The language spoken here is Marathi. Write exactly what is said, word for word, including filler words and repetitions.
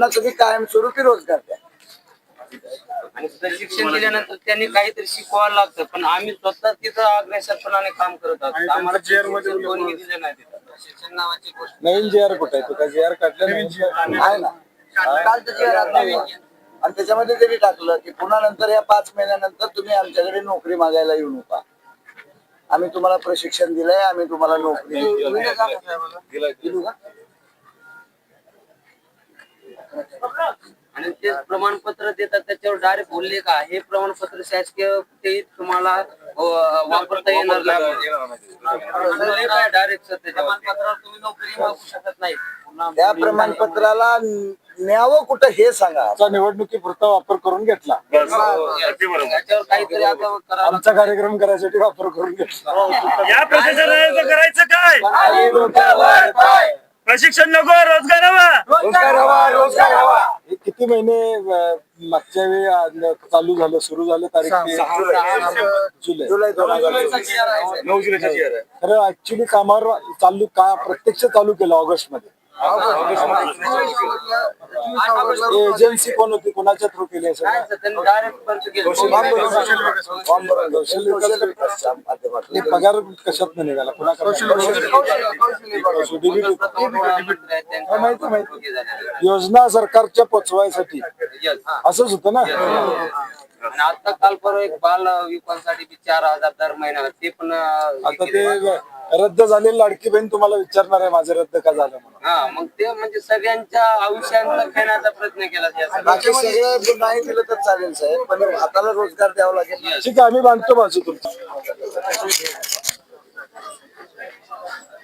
त्यांना तुम्ही कायमस्वरूपी रोजगार द्या. आणि प्रशिक्षण दिल्यानंतर त्यांनी काहीतरी शिकवायला लागतं, पण आम्ही स्वतः तिथं अग्रेसरपणाने काम करत आहोत. आम्हाला प्रशिक्षण कोणी दिलं नाही तिथं. प्रशिक्षण नावाची गोष्ट नवीन जी आर कुठे आहे? तुका जी आर काढलं आहे ना, कालचं जे आहे आणि त्याच्यामध्ये तरी टाकलं की पुन्हा नंतर या पाच महिन्यानंतर तुम्ही आमच्याकडे नोकरी मागायला येऊ नका. आम्ही तुम्हाला प्रशिक्षण दिलंय, आम्ही तुम्हाला नोकरी दिलू का? आणि ते प्रमाणपत्र देतात त्याच्यावर डायरेक्ट बोलले का हे प्रमाणपत्र शासकीय ते तुम्हाला अं, वापरता येणार नाही. डायरेक्ट प्रमाणपत्रावर तुम्ही नोकरी मागू शकत नाही. त्या प्रमाणपत्राला न्यावं कुठं हे सांगा. निवडणुकीपुरता वापर करून घेतला. त्याच्यावर काहीतरी आता करावं आमचा कार्यक्रम करायसाठी वापर करून घेतला. या प्रशासनाचं करायचं काय? प्रशिक्षण नको, रोजगार हवा. रोजगार हवा, रोजगार हवा. हे किती महिने अं, मागच्या वेळी अं, चालू झालं, सुरू झालं तारीख जुलै जुलै दोन हजार नऊ जुलैचा जी आर आहे. खरं ऍक्च्युली कामावर चालू का प्रत्यक्ष चालू केलं ऑगस्ट मध्ये. एजन्सी कोण होती, कोणाच्या थ्रू केली असेल? त्यांनी डायरेक्ट बंद केलं. हे पगार कशात निघाला, माहिती माहिती योजना सरकारच्या पोचवायसाठी असंच होतं ना. आणि आता काल परवा एक बाल विकासासाठी चार हजार दर महिन्याला ते पण आता ते रद्द झालेली लाडकी बहीण तुम्हाला विचारणार आहे माझं रद्द का झालं म्हणून. हा, मग ते म्हणजे सगळ्यांच्या आयुष्यांचा खेळण्याचा प्रयत्न केला त्यासाठी. बाकी सगळं नाही दिलं तर चालेल साहेब, पण हाताला रोजगार द्यावा लागेल. ठीक आहे, आम्ही बांधतो बाजू तुमची.